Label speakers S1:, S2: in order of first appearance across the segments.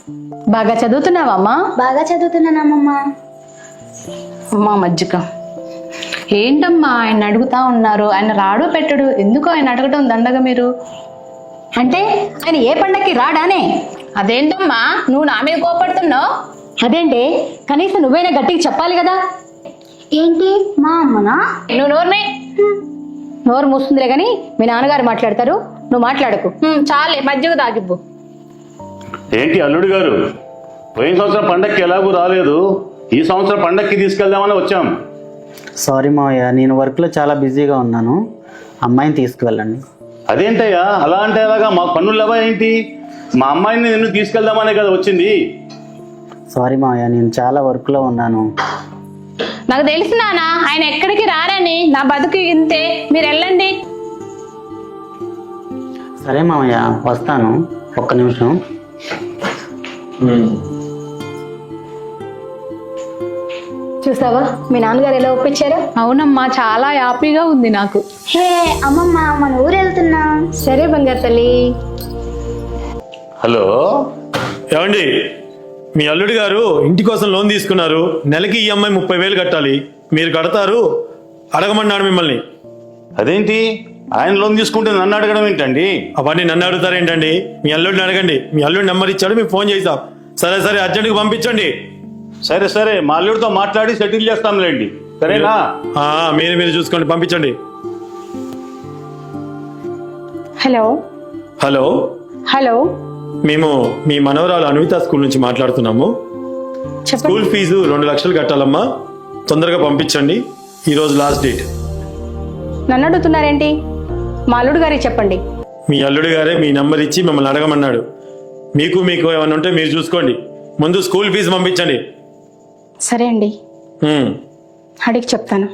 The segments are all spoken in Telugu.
S1: బాగా చదువుతున్నావమ్మా?
S2: బాగా చదువుతున్నానమ్మమ్మా.
S1: అమ్మా మజ్జిగ. ఏంటమ్మా ఆయన అడుగుతా ఉన్నారు, ఆయన రాడు పెట్టడు, ఎందుకు ఆయన అడగటం దండగా మీరు?
S2: అంటే ఆయన ఏ పండక్కి రాడానే?
S1: అదేంటమ్మా నువ్వు నా మీద కోపడుతున్నావు?
S2: అదేంటి, కనీసం నువ్వైనా గట్టిగా చెప్పాలి కదా. ఏంటి మా అమ్మనా?
S1: నువ్వు
S2: నోరు మూస్తుందిలే గాని మీ నాన్నగారు మాట్లాడతారు, నువ్వు మాట్లాడకు.
S1: చాలే మజ్జిగ తాగిబ్బు.
S3: ఏంటి అల్లుడు గారు, పోయిన సంవత్సరం పండక్కి ఎలాగూ రాలేదు, ఈ సంవత్సరం పండక్కి తీసుకెళ్దామని వచ్చాం.
S4: సారీ మావయ్య, నేను వర్క్లో చాలా బిజీగా ఉన్నాను, అమ్మాయిని తీసుకువెళ్ళండి.
S3: అదేంటయ్యా అలా అంటే ఎలాగా, మాకు పన్నులు లేవా ఏంటి? మా అమ్మాయిని నిన్ను తీసుకెళ్దామనే కదా వచ్చింది.
S4: సారీ మావయ్య, నేను చాలా వర్క్లో ఉన్నాను.
S1: నాకు తెలుసు నాన్న ఆయన ఎక్కడికి రారని, నా బతుకు ఇంతే, మీరు వెళ్ళండి.
S4: సరే మావయ్య వస్తాను, ఒక్క నిమిషం.
S2: చూసావా మీ నాన్నగారు ఎలా ఒప్పించారు?
S1: అవునమ్మా చాలా హ్యాపీగా ఉంది నాకు.
S2: హే అమ్మమ్మ, మన ఊరు వెళ్తున్నాం. సరే బంగారు తల్లి.
S3: హలో
S5: ఏమండి, మీ అల్లుడు గారు ఇంటి కోసం లోన్ తీసుకున్నారు, నెలకి ఈఎంఐ 30,000 కట్టాలి, మీరు కడతారు? అడగమన్నాడు మిమ్మల్ని.
S3: అదేంటి ఆయన లోన్ తీసుకుంటే నన్ను అడగడం ఏంటండి?
S5: అవన్నీ నన్ను అడుగుతారేంటండి, మీ అల్లుడిని అడగండి. మీ అల్లుడి నెంబర్ ఇచ్చాడు, మేము ఫోన్ చేసాం. సరే సరే అర్జెంట్గా పంపించండి.
S3: సరే సరే మా అల్లుడితో మాట్లాడి సెటిల్ చేస్తాంలేండి, సరేనా?
S5: మీరు చూసుకోండి, పంపించండి.
S1: హలో
S5: హలో
S1: హలో
S5: మేము మీ మనవరాలు అన్విత స్కూల్ నుంచి మాట్లాడుతున్నాము. స్కూల్ ఫీజు 2 లక్షలు కట్టాలమ్మా, తొందరగా పంపించండి, ఈరోజు లాస్ట్ డేట్.
S2: నన్ను అడుగుతున్నారేంటి? మా అల్లుడు గారికి చెప్పండి.
S5: మీ అల్లుడు గారే మీ నంబర్ ఇచ్చి మిమ్మల్ని అడగమన్నాడు. మీకు ఏమైనా ఉంటే మీరు చూసుకోండి, ముందు స్కూల్ ఫీజు పంపించండి.
S2: సరే అండి, అడిగి చెప్తాను.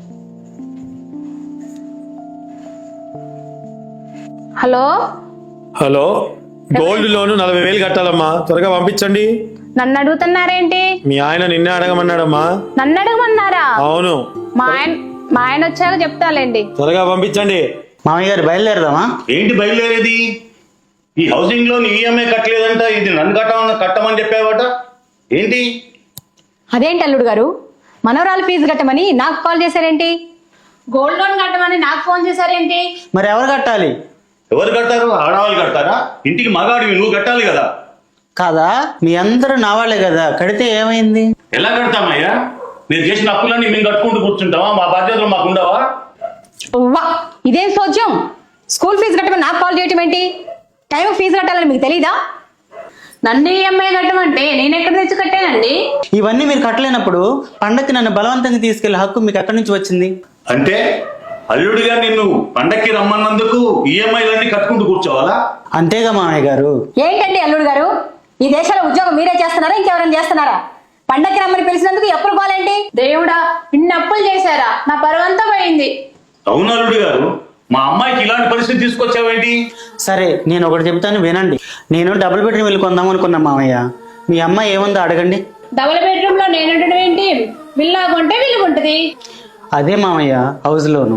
S1: హలో
S5: హలో, గోల్డ్ లోన్ 40,000 కట్టాలమ్మా, త్వరగా పంపించండి.
S1: నన్ను అడుగుతున్నారేంటి?
S5: మీ ఆయన నిన్నే అడగమన్నాడమ్మా.
S1: నన్ను అడగమన్నారా?
S5: అవును,
S1: మా ఆయన వచ్చాక చెప్తాలేండి.
S5: త్వరగా పంపించండి.
S4: మామయ్య గారు బయలుదేరదామా?
S3: ఏంటి బయలుదేరేది? ఈ హౌసింగ్ లోన్ ఈఎంఐ కట్టలేదంట, ఇది నన్ను కట్టమని చెప్పావట ఏంటి?
S2: అదేంటి అల్లుడు గారు, మనవరాలు ఫీజు కట్టమని నాకు కాల్ చేశారేంటి?
S1: గోల్డ్ లోన్ కట్టమని నాకు ఫోన్ చేశారేంటి?
S4: మరి ఎవరు కట్టాలి?
S3: ఎవరు కడతారు? ఆడవాళ్ళు కడతారా? ఇంటికి మగాడివి నువ్వు కట్టాలి కదా.
S4: కాదా, మీ అందరూ నా వాళ్ళే కదా, కడితే ఏమైంది?
S3: ఎలా కడతామయ్యా? మీరు చేసిన అప్పులన్నీ మేము కట్టుకుంటూ కూర్చుంటావా? మా బాధ్యతలు మాకు ఉండవా?
S2: వా, ఇదేం సోద్యం? స్కూల్ ఫీజు కట్టమని నాకు కాల్ చేయటం ఏంటి? టైం ఫీజు కట్టాలని మీకు తెలీదా?
S1: నన్ను ఈఎంఐ కట్టమంటే నేను ఎక్కడ తెచ్చి కట్టానండి?
S4: ఇవన్నీ మీరు కట్టలేనప్పుడు పండక్కి నన్ను బలవంతంగా తీసుకెళ్లే హక్కు మీకు ఎక్కడి నుంచి వచ్చింది?
S3: అంటే అల్లుడిగా నిన్ను పండక్కి రమ్మన్నందుకు ఈఎంఐలన్నీ కట్టుకుంటూ కూర్చోవాలా?
S4: అంతేగా మామయ్య గారు.
S2: ఏంటండి అల్లుడు గారు, ఈ దేశంలో ఉద్యోగం మీరే చేస్తున్నారా, ఇంకెవరైనా చేస్తున్నారా? పండక్కి రమ్మని పిలిచినందుకు ఎప్పుడు పోలేంటి?
S1: దేవుడా, ఇన్ని అప్పులు చేశారా? నా పరువంతా పోయింది.
S3: అవును అల్లుడు గారు, మా అమ్మాయికి ఇలాంటి పరిస్థితి తీసుకొచ్చావేంటి?
S4: సరే నేను ఒకటి చెబుతాను వినండి. నేను డబుల్ బెడ్రూమ్ వెళ్ళి కొందాం అనుకున్నా మామయ్య, మీ అమ్మాయి ఏముందో అడగండి.
S1: డబుల్ బెడ్రూమ్ లో నేను ఉండడం ఏంటి? విల్లా కొంటే విల్లుకుంటది.
S4: అదే మామయ్య, హౌస్ లోను.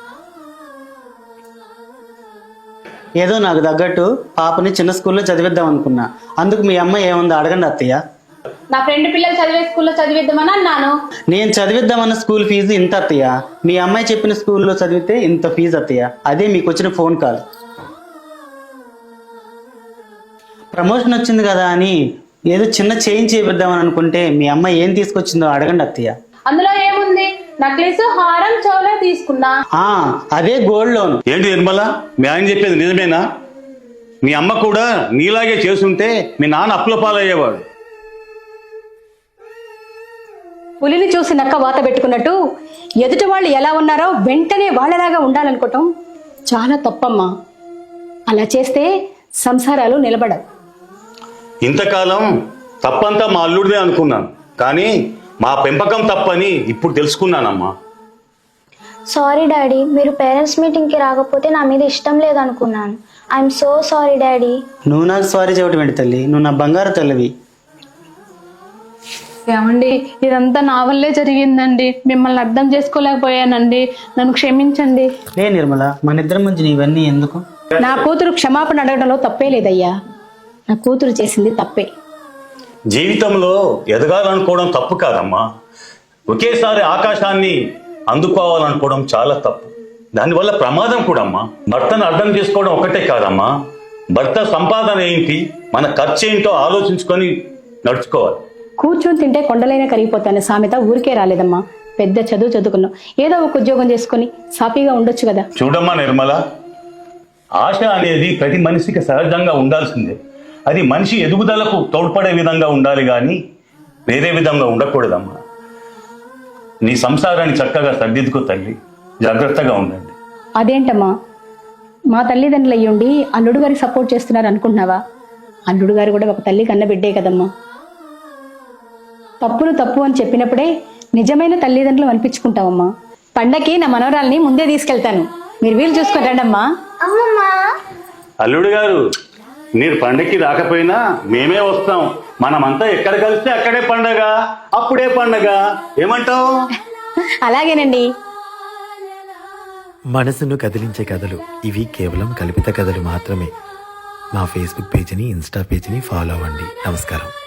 S4: ఏదో నాకు తగ్గట్టు పాపని చిన్న స్కూల్లో చదివిద్దాం అనుకున్నా, అందుకు మీ అమ్మాయి ఏముందో అడగండి అత్తయ్య.
S1: నా ఫ్రెండ్ పిల్లలు చదివే స్కూల్లో చదివిద్దామని అన్నాను.
S4: నేను చదివిద్దామన్న స్కూల్ ఫీజు ఇంత అత్తయ్య, మీ అమ్మాయి చెప్పిన స్కూల్లో చదివితే ఇంత ఫీజు అత్తయ్య. అదే మీకు వచ్చిన ఫోన్ కాల్. ప్రమోషన్ వచ్చింది కదా అని ఏదో చిన్న చేంజ్ చేపిద్దామని అనుకుంటే మీ అమ్మాయి ఏం తీసుకొచ్చిందో అడగండి అత్తయ్య.
S1: అందులో ఏముంది? నక్లీస్, హారం, చౌలా తీసుకున్నా.
S4: అదే గోల్డ్ లోన్.
S3: ఏంటి నిర్మల, మీ ఆయన చెప్పేది నిజమేనా? మీ అమ్మ కూడా నీలాగే చేసుంటే మీ నాన్న అప్పుల పాలయ్యేవాడు.
S2: పులిని చూసి నక్క వాత పెట్టుకున్నట్టు ఎదుటి వాళ్ళు ఎలా ఉన్నారో వెంటనే వాళ్ళలాగా ఉండాలనుకోవటం చాలా తప్పమ్మా. అలా చేస్తే సంసారాలు నిలబడవు.
S3: ఇంతకాలం తప్పంతా మా అల్లుడిదే అనుకున్నాను, కానీ మా పెంపకం తప్పని ఇప్పుడు తెలుసుకున్నానమ్మా.
S6: సారీ డాడీ, మీరు పేరెంట్స్ మీటింగ్కి రాకపోతే నా మీద ఇష్టం లేదనుకున్నాను. I'm so sorry daddy.
S4: నువ్వు నాకు సారీ చెప్పడం ఏంటి తల్లి, నువ్వు నా బంగారు తల్లివి.
S1: ఏమండి, ఇదంతా నా వల్లే జరిగిందండి, మిమ్మల్ని అర్థం చేసుకోలేకపోయానండి, నన్ను క్షమించండి.
S4: లే నిర్మల, మన ఇద్దరి మధ్య ఇవన్నీ ఎందుకు?
S2: నా కూతురు క్షమాపణ అడగడంలో తప్పే లేదయ్యా, నా కూతురు చేసింది తప్పే.
S3: జీవితంలో ఎదగాలనుకోవడం తప్పు కాదమ్మా. ఒకేసారి ఆకాశాన్ని అందుకోవాలనుకోవడం చాలా తప్పు. దానివల్ల ప్రమాదం కూడా అమ్మా. భర్తను అర్థం చేసుకోవడం ఒకటే కాదమ్మా, భర్త సంపాదన ఏంటి, మన ఖర్చు ఏంటో ఆలోచించుకొని నడుచుకోవాలి.
S2: కూర్చొని తింటే కొండలైనా కరిగిపోతాను సామెత ఊరికే రాలేదమ్మా. పెద్ద చదువు చదువుకున్నాం, ఏదో ఒక ఉద్యోగం చేసుకుని సాఫీగా ఉండొచ్చు కదా.
S3: చూడమ్మా నిర్మల, ఆశ అనేది ప్రతి మనిషికి సహజంగా ఉండాల్సిందే. అది మనిషి ఎదుగుదలకు తోడ్పడే విధంగా ఉండాలి కానీ వేరే విధంగా ఉండకూడదమ్మా. నీ సంసారాన్ని చక్కగా సర్దిద్దుకో తల్లి, జాగ్రత్తగా ఉండండి.
S2: అదేంటమ్మా, మా తల్లిదండ్రులు అయ్యుండి అల్లుడు గారికి సపోర్ట్ చేస్తున్నారు అనుకుంటున్నావా? అల్లుడు గారు కూడా ఒక తల్లి కన్న బిడ్డే కదమ్మా. తప్పులు తప్పు అని చెప్పినప్పుడే నిజమైన తల్లిదండ్రులు అనిపించుకుంటావమ్మా. పండక్కి నా మనవరాల్ని ముందే తీసుకెళ్తాను, మీరు వీలు చూసుకొని రండమ్మా.
S3: అల్లుడు గారు, మీరు పండగకి రాకపోయినా మేమే వస్తాం. మనమంతా ఎక్కడ కలిస్తే అక్కడే పండగ, అప్పుడే పండగ. ఏమంటావు?
S2: అలాగేనండి.
S7: మనసును కదిలించే కథలు ఇవి కేవలం కల్పిత కథలు మాత్రమే. మా ఫేస్బుక్ పేజీని, ఇన్స్టా పేజీని ఫాలో అవ్వండి. నమస్కారం.